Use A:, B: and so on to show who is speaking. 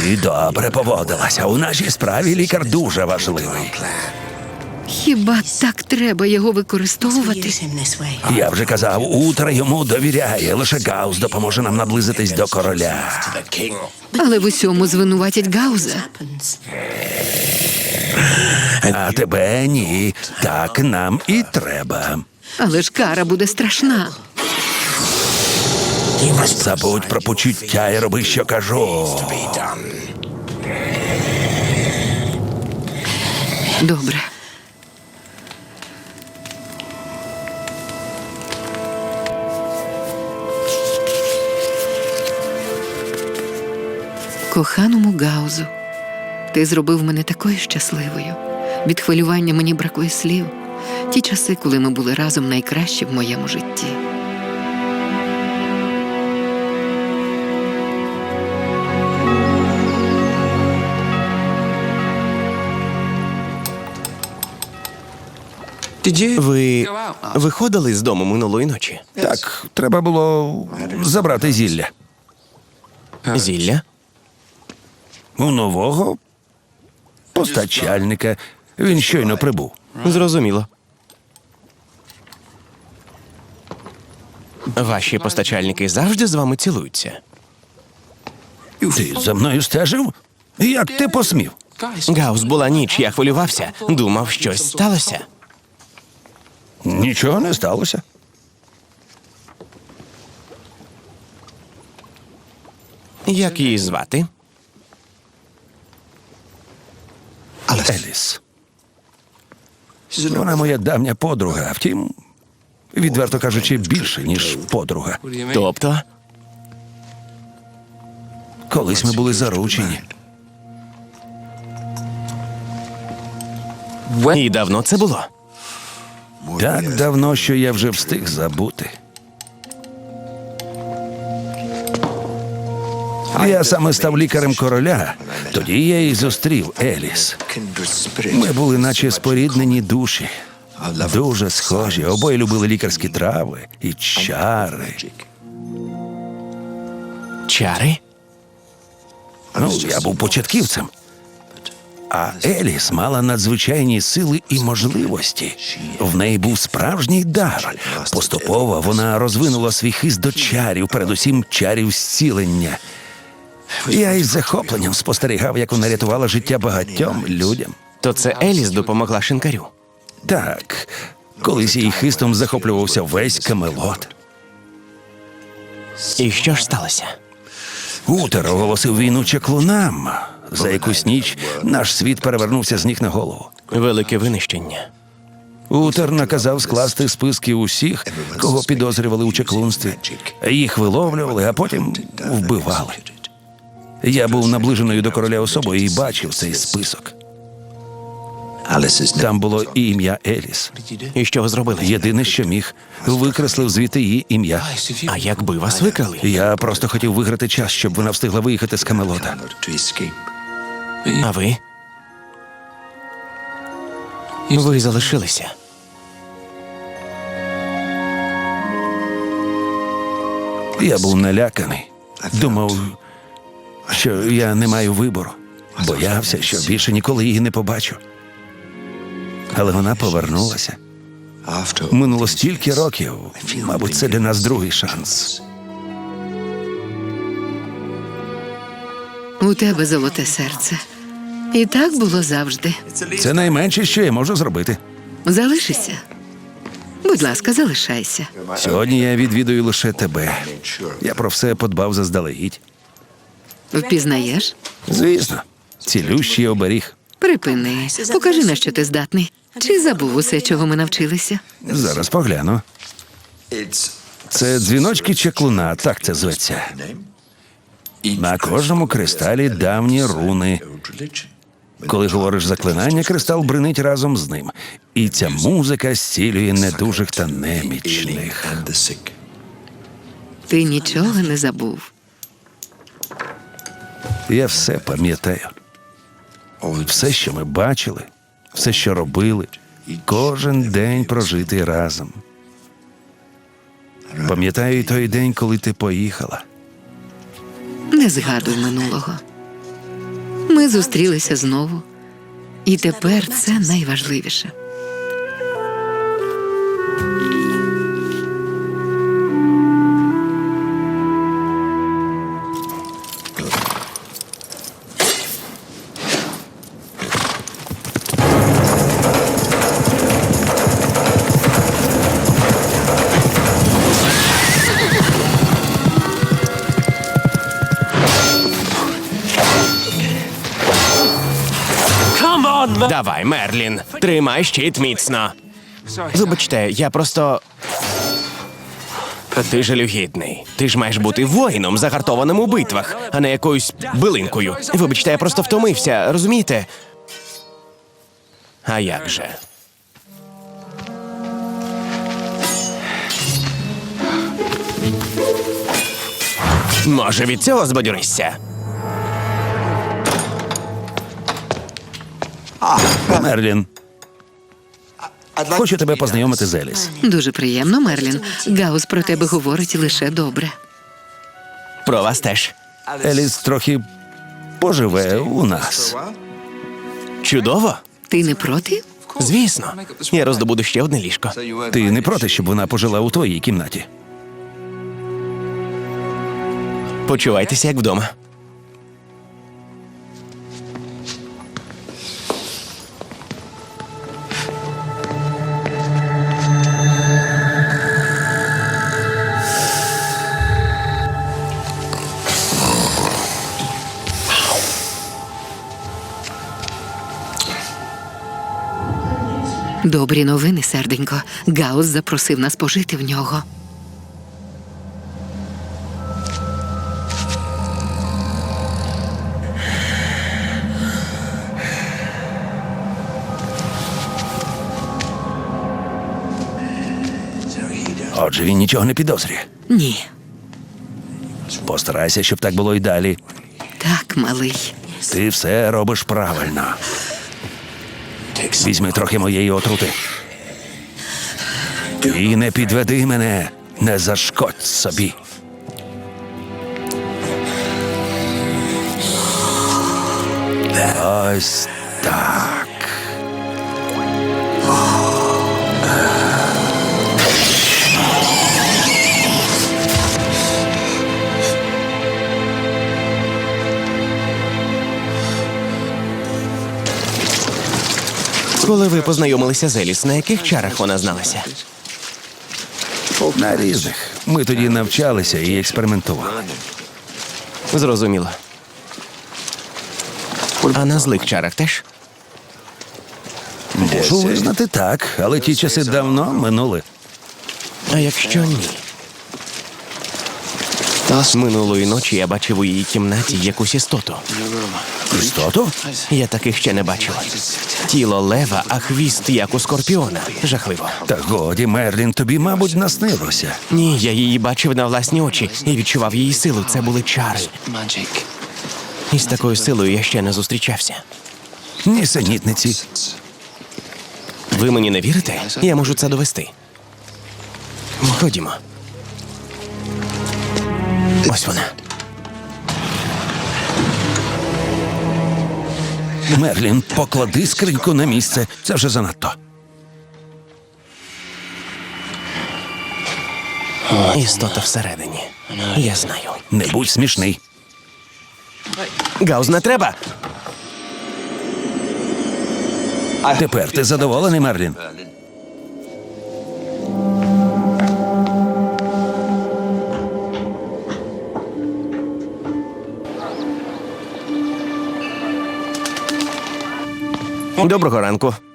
A: Ти добре поводилася. У нашій справі лікар дуже важливий.
B: Хіба так треба його використовувати?
A: Я вже казав, Утер йому довіряє. Лише Гаус допоможе нам наблизитись до короля.
B: Але в усьому звинуватять Гауза.
A: А тебе ні. Так нам і треба.
B: Але ж кара буде страшна.
A: Забудь про почуття і роби, що кажу.
B: Добре. Коханому Гаузу, ти зробив мене такою щасливою. Від хвилювання мені бракує слів. Ті часи, коли ми були разом, найкращі в моєму житті.
C: Ви виходили з дому минулої ночі?
A: Так, треба було забрати зілля.
C: Зілля?
A: У нового постачальника. Він щойно прибув.
C: Зрозуміло. Ваші постачальники завжди з вами цілуються?
A: Ти за мною стежив? Як ти посмів?
C: Гаус, була ніч, я хвилювався. Думав, щось сталося.
A: Нічого не сталося.
C: Як її звати?
A: Еліс. Вона моя давня подруга, втім, відверто кажучи, більше, ніж подруга.
C: Тобто?
A: Колись ми були заручені.
C: І давно це було?
A: Так давно, що я вже встиг забути. Я саме став лікарем короля. Тоді я і зустрів Еліс. Ми були наче споріднені душі. Дуже схожі. Обоє любили лікарські трави і чари.
C: Чари?
A: Ну, я був початківцем. А Еліс мала надзвичайні сили і можливості. В неї був справжній дар. Поступово вона розвинула свій хист до чарів, передусім чарів зцілення. Я із захопленням спостерігав, як вона рятувала життя багатьом людям.
C: То це Еліс допомогла шинкарю.
A: Так, колись її хистом захоплювався весь Камелот.
C: І що ж сталося?
A: Утер оголосив війну чаклунам. За якусь ніч наш світ перевернувся з ніг на голову.
C: Велике винищення.
A: Утер наказав скласти списки усіх, кого підозрювали у чаклунстві. Їх виловлювали, а потім вбивали. Я був наближеною до короля особою і бачив цей список. Там було і ім'я Еліс.
C: І що ви зробили?
A: Єдине, що міг, викреслив звідти її ім'я.
C: А якби вас викрали?
A: Я просто хотів виграти час, щоб вона встигла виїхати з Камелота.
C: А ви? Ви залишилися.
A: Я був наляканий. Думав, що я не маю вибору. Боявся, що більше ніколи її не побачу. Але вона повернулася. Минуло стільки років. Мабуть, це для нас другий шанс.
B: У тебе золоте серце. І так було завжди.
A: Це найменше, що я можу зробити.
B: Залишися. Будь ласка, залишайся.
A: Сьогодні я відвідую лише тебе. Я про все подбав заздалегідь.
B: Впізнаєш?
A: Звісно, цілющий оберіг.
B: Припини. Покажи, на що ти здатний. Чи забув усе, чого ми навчилися?
A: Зараз погляну. Це дзвіночки чаклуна, так це зветься. На кожному кристалі давні руни. Коли говориш заклинання, кристал бринить разом з ним. І ця музика зцілює недужих та немічних.
B: Ти нічого не забув.
A: Я все пам'ятаю. Все, що ми бачили, все, що робили, кожен день прожитий разом. Пам'ятаю і той день, коли ти поїхала.
B: Не згадуй минулого. Ми зустрілися знову. І тепер це найважливіше.
C: Давай, Мерлін, тримай щит міцно. Вибачте, я просто. Ти жалюгідний. Ти ж маєш бути воїном, загартованим у битвах, а не якоюсь билинкою. Вибачте, я просто втомився, розумієте? А як же? Може, від цього збадьоришся?
A: Мерлін, хочу тебе познайомити з Еліс.
B: Дуже приємно, Мерлін. Гаус про тебе говорить лише добре.
C: Про вас теж.
A: Еліс трохи поживе у нас.
C: Чудово?
B: Ти не проти?
C: Звісно. Я роздобуду ще одне ліжко.
A: Ти не проти, щоб вона пожила у твоїй кімнаті?
C: Почувайтеся як вдома.
B: Добрі новини, серденько. Гаус запросив нас пожити в нього.
A: Отже, він нічого не підозрює.
B: Ні.
A: Постарайся, щоб так було й далі.
B: Так, малий.
A: Ти все робиш правильно. Візьми трохи моєї отрути. І не підведи мене, не зашкодь собі. Ось так.
C: Коли ви познайомилися з Еліс, на яких чарах вона зналася?
A: На різних. Ми тоді навчалися і експериментували.
C: Зрозуміло. А на злих чарах теж?
A: Можу визнати так, але ті часи давно минули.
C: А якщо ні? Минулої ночі я бачив у її кімнаті якусь істоту.
A: Істоту?
C: Я таких ще не бачив. Тіло лева, а хвіст як у скорпіона. Жахливо.
A: Та годі, Мерлін, тобі, мабуть, наснилося.
C: Ні, я її бачив на власні очі і відчував її силу. Це були чари. І з такою силою я ще не зустрічався.
A: Нісенітниці.
C: Ви мені не вірите? Я можу це довести. Ходімо. Ось вона.
A: Мерлін, поклади скриньку на місце. Це вже занадто.
C: Істота всередині. Я знаю.
A: Не будь смішний.
C: Гаус, не треба.
A: Тепер ти задоволений, Мерлін?
C: Доброго ранку.